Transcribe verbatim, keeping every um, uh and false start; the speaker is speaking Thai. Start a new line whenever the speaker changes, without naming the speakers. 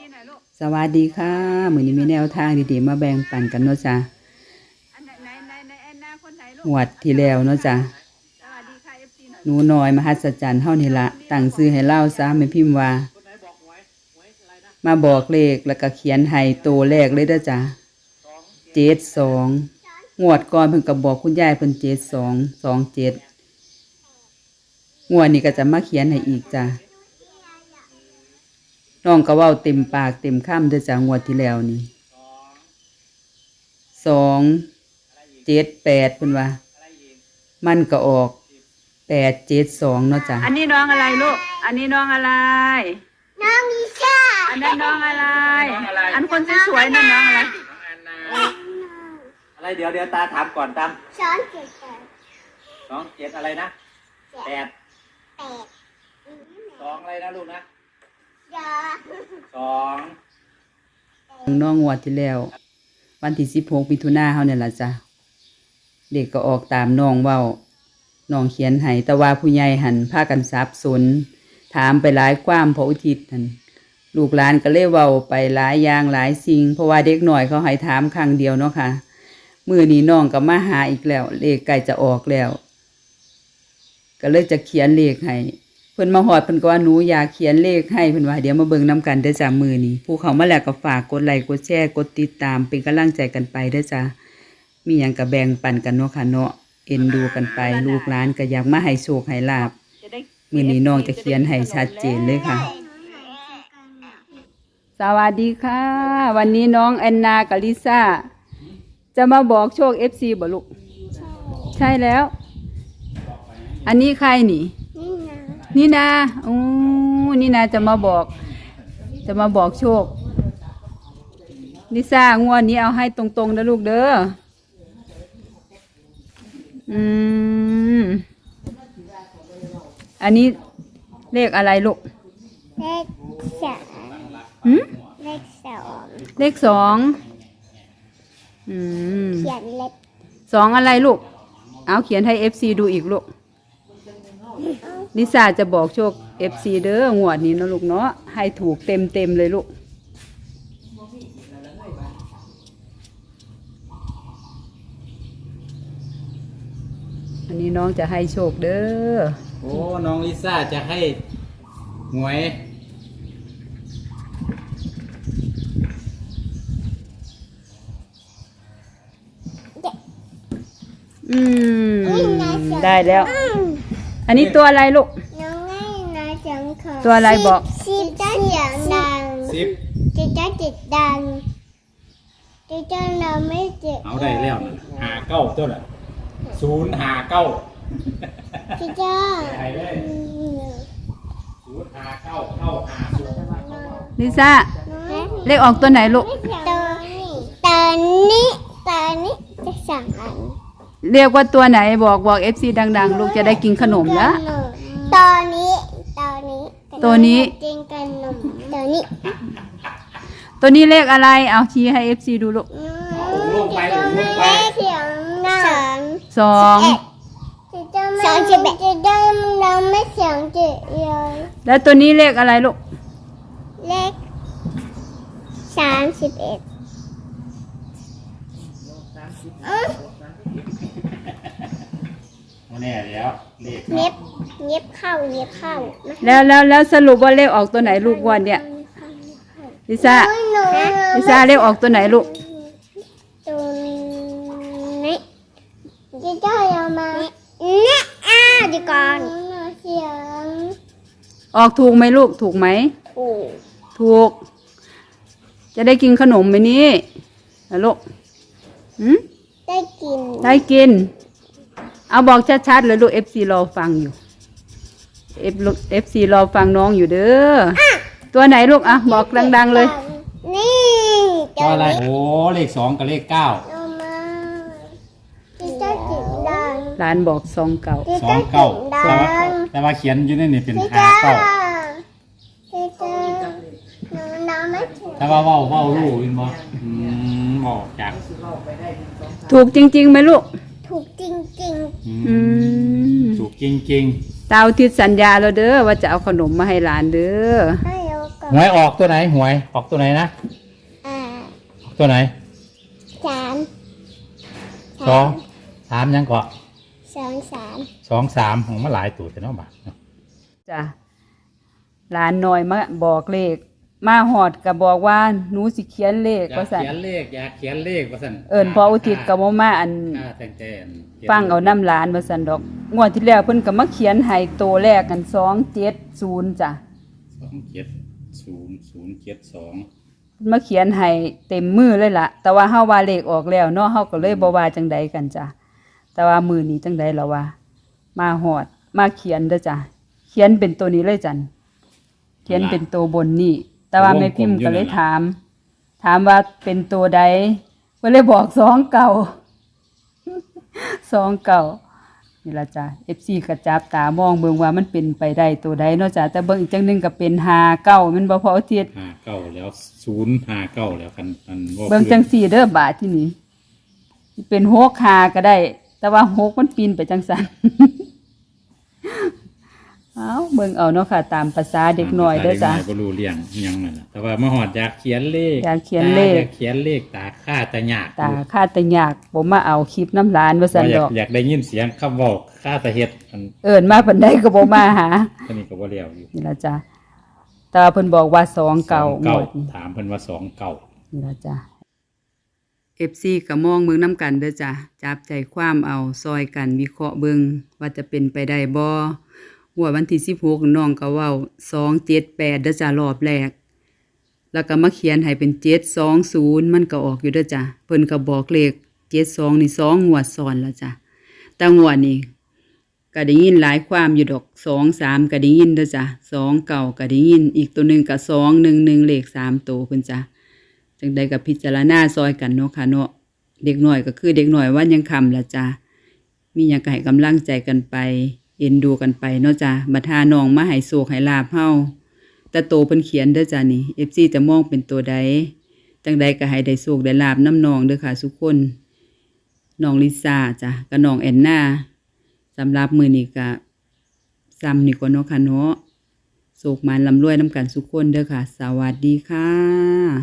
สวัสดีค่ะมื้อนี้มีแนวทางดีๆมาแบ่งปันกันเนาะจ้ะงวดที่แล้วเนาะจ้ะหนูน้อยมหัศจรรย์เฮานี่ละตั้งชื่อให้เล่าซะแม่พิมพ์ว่ามาบอกเลขแล้วก็เขียนให้ตัวแรกเลยเด้อจ้ะเจ็ดสองงวดก่อนเพิ่นก็บอกคุณยายเพิ่นเจ็ดสองสองเจ็ดงวดนี้ก็จะมาเขียนให้อีกจ้ะน้องก็เว้าเต็มปากเต็มคำเด้อจ้ะงวดที่แล้วนี่สองเจ็ดแปดเพิ่นว่ามันก็ออกแปดเจ็ดสองเนาะจ้ะอันนี้น้องอะไรลูกอันนี้น้องอะไร
น้องลิซ่า
อันนั้นน้องอะไรอันคนสวยๆนั่นน้องอะไร
อะไรเดี๋ยวเดี๋ยวตาถามก่อนตาม
สองเจ็ดแปด
สองเจ็ดอะไรนะแปด
แปด
สองอะไรนะลูกนะ
ยา
สอง
น้องงวดที่แล้ววันที่สิบหกมิถุนายนเฮาเนี่ยล่ะจ้ะเด็กก็ออกตามน้องเว้าน้องเขียนให้แต่ว่าผู้ใหญ่หันพากันสับสนถามไปหลายความพระอุทิศหันลูกหลานก็เลยเว้าไปหลายอย่างหลายสิ่งเพราะว่าเด็กหน่อยเขาให้ถามครั้งเดียวเนาะค่ะมื้อนี้น้องก็มาหาอีกแล้วเลขใกล้จะออกแล้วก็เลยจะเขียนเลขให้เพิ่นมาฮอดเพิ่นก็ว่าหนูอยากเขียนเลขให้เพิ่นว่าเดี๋ยวมาเบิ่งนํกันเด้อจ้ะมื้อนี้ผู้เข้ามาแล้วก็ฝากกดไลค์กดแชร์กดติดตามเป็นกำลังใจกันไปเด้อจ้ะมีหยังก็แบ่งปันกันเนาะค่ะเนาะเอ็นดูกันไปลูกหลานก็อยากมาให้โชคให้ลาภมื้อนี้น้องจะเขียนให้ชัดเจนเลยค่ะสวัสดีค่ะวันนี้น้องแอนนากับลิซ่าจะมาบอกโชค เอฟ ซี บ่ลูกใช่แล้วอันนี้ใครนี่นี่นาโอ้นี่นาจะมาบอกจะมาบอกโชคลิซ่างวดนี้เอาให้ตรงๆนะลูกเด้ออืมอันนี้เลขอะไรลูก
เลขสอง
หืม
เลขสอง
เลขสองอืม
เขียนเล็บ
สองอะไรลูกเอาเขียนให้ เอฟ ซี ดูอีกลูกลิซ่าจะบอกโชค เอฟ ซี เด้องวดนี้นะลูกเนาะให้ถูกเต็มเต็มเลยลูกอันนี้น้องจะให้โชคเด้อ
โอ้น้องลิซ่าจะให้หวย
อืมได้แล้วอันนี้ตัวอะไรลูก
น้องให้นาจังขอ
ตัวอะไรบอก
สิบจ้าเสียงดัง
สิบ
จิตจ้าจิตดังจิตจ้าเราไม่เจ็บ
เอาได้แล้วนะหาเก้าตัวน่ะศูนย์หาเก้า
จิตจ้า
ได้เลยศูนย์หาเก้าเก้าหาศูนย์
ลิซ่าเลขออกตัวไหนลูก
ตอนนี้ตอนนี้ตอนนี้จะสั่งอัน
เรียกว่าตัวไหนบอกบอก เอฟ ซี ดังๆลูกจะได้กินขนมละ
ตอนนี้ตอนนี้
ตัวนี้
กินขนมตัวนี้
ตัวนี้เลขอะไรเอาชี้ให้ เอฟ ซี ดูลูก
ลงไปลงไป
เสียงดัง
สอง
สองสิบเอ็ดจะได้เราไม่เสียงเจ็ดเลย
แล้วตัวนี้เลขอะไรลูก
เลขสามสิบเอ็ด
แน่แล้วเลข
เย็บเย็บเข้าเย็บเข้า
แล้วแล้วแล้วสรุปว่าเลขออกตัวไหนลูกวันเนี่ยลิซ่าลิซ่าเลขออกตัวไหนลูก
ตัวนี้จะได้เอามาเนี่ยอ่ะดีก่อนเสียง
ออกถูกไหมลูกถูกไหม
ถูก
ถูกจะได้กินขนมไหมนี่นะลูกหืม
ได้กิน
ได้กินเอาบอกชัดๆเลยลูก เอฟ ซี รอฟังอยู่ F เอฟ ซี รอฟังน้องอยู่เด้อตัวไหนลูกอ่ะบอกดังๆเลย
นี่
ตัวอะไรโอ้เลขสองกับเลขเก้า
ร้านบอกสองเก้า
สองเก้าแต่ว่าเขียนอยู่ในนี่เป็นห้าเก้าแต่ว่าว่าว่าลูกอินบอบอกจาก
ถูกจริงๆไหมลูก
ถูกจริง
ๆ
ถูกจริง
ๆตาทิศสัญญาเราเด้อว่าจะเอาขนมมาให้หลานเด้อ
ให้เอาก่อ
หวยออกตัวไหนหวยออกตัวไหนนะ
อ่า
ออกตัวไหน
สาม
สองสามยังเกาะ
สองสาม
สองสามของมาหลายตัวแต่เนาะบาทเนาะ
จ้ะหลานน้อยมาบอกเลขมาหอดก็บอกว่าหนูสิเขียนเลข
อยา
ว่าก ซั่น
เขียนเลขอยากเขียนเลขว่าสั่น
เอิ้นพออุทิศก็บ่มาอัน
ค่าแต่งแต่นขียน
ฟังเอาน้ำหลานว่าซั่นดอกงวดที่แล้วเพิ่นก็มาเขียนให้โตแรกกันสองเจ็ดศูนย์จ้ะ
สองเจ็ดศูนย์ศูนย์เจ็ดสอง
มาเขียนให้เต็มมือเลยล่ะ แต่ว่าเฮาว่าเลขออกแล้วเนาะเฮาก็เลยบ่ว่าจังใดกันจ้ะแต่ว่ามือนี้จังใดล่ะว่า มาหอดมาเขียนเด้อจ้ะเขียนเป็นตัวนี้เลยจันเขียนเป็นตัวบนนี่แต่ว่าแม่พิมพ์ก็เลยถาม ถามว่าเป็นตัวใดก็เลยบอกสองเก่า สองเก่านี่ล่ะจ้ะ เอฟ ซี ก็จับตามองเบิ่งว่ามันเป็นไปได้ตัวใดเนาะจ้ะแต่เบิ่งอีกจังหนึงก็เป็นห้าเก้ามันบ่พอเทียด
ห้าเก้าแล้วศูนย์ห้าเก้าแล้วคันอันว่า
เบิ่งจังสี่เด้อบาทที่นี่สิเป็นหกหาก็ได้ แต่ว่าหกมันปีนไปจังซั่น เอาเบิ่งเอาเนาะค่ะ ตามภาษาเด็กน้อยเด้อจ้ะ
ด็กน้อยบ่รู้เรื่องอิหยังนั่นน่ะแต่ว่ามาหอดอยากเขียนเลข
อยากเขียนเลข
ตาอยากเขียนเลขตาค่าตายาก
ตาข้าแต่ยากบ่มาเอาคลิปน้ำหลานว่าซั่น
ว่าอยา
ด
ก
อก
อยากได้ยินเสียงคำเว้าค่าตาเฮ็ดอัน
เอิ้นมาปานใดก็บ่มาหา
อันนี้ก็บ่แล้วอยู่
นี่ล่ะจ้ะแต่ว่าเพิ่นบอกว่าสองเก่า
สองเก้าง
วดนี้
ถามเพิ่นว่าสองเก้า
นี่ล่ะจ้ะ เอฟ ซี ก็มองเบิ่งนํกันเด้อจ้ะจับใจความเอาซอยกันวิเคราะห์เบิ่งว่าจะเป็นไปได้บ่หัวดวันที่สิบหกน้องก็เว้าสองเจ็ดแปดเด้อจ้ะรอบแรก แล้วก็มาเขียนให้เป็นเจ็ดสองศูนย์มันก็ออกอยู่เด้อจ้ะเพิ่นก็บอกเลขเจ็ดสองนี่สองงวดซ้อนแล้วจ้ะแต่งวดนี้ก็ได้ยินหลายความอยู่ดอกสองสามก็ได้ยินเด้อจ้ะสองเก่าก็ได้ยินอีกตัวหนึงก็สองหนึ่งหนึ่งเลขสามตัวเพิ่นจ้ะจังใดก็พิจารณาซอยกันเนาะค่ะเนาะเด็กน้อยก็คือเด็กน้อยวันยังคำล่ะจ้ะมีหยังก็ให้กำลังใจกันไปเอ็นดูกันไปเนาะจ้ะบัดหาน้องมาให้โชคให้ลาภเฮาแต่โตเพิ่นเขียนเด้อจ้ะนี่ เอฟ ซี จะมองเป็นตัวใดจังใดก็ให้ได้โชคได้ลาภน้ำน้องเด้อค่ะทุกคนน้องลิซ่าจ้ะกับน้องแอนนาสำหรับมื้อนี้ก็ซ้ำนี่ก่อนเนาะค่ะเนาะโชคมานร่ำรวยนำกันทุกคนเด้อค่ะ สวัสดีค่ะ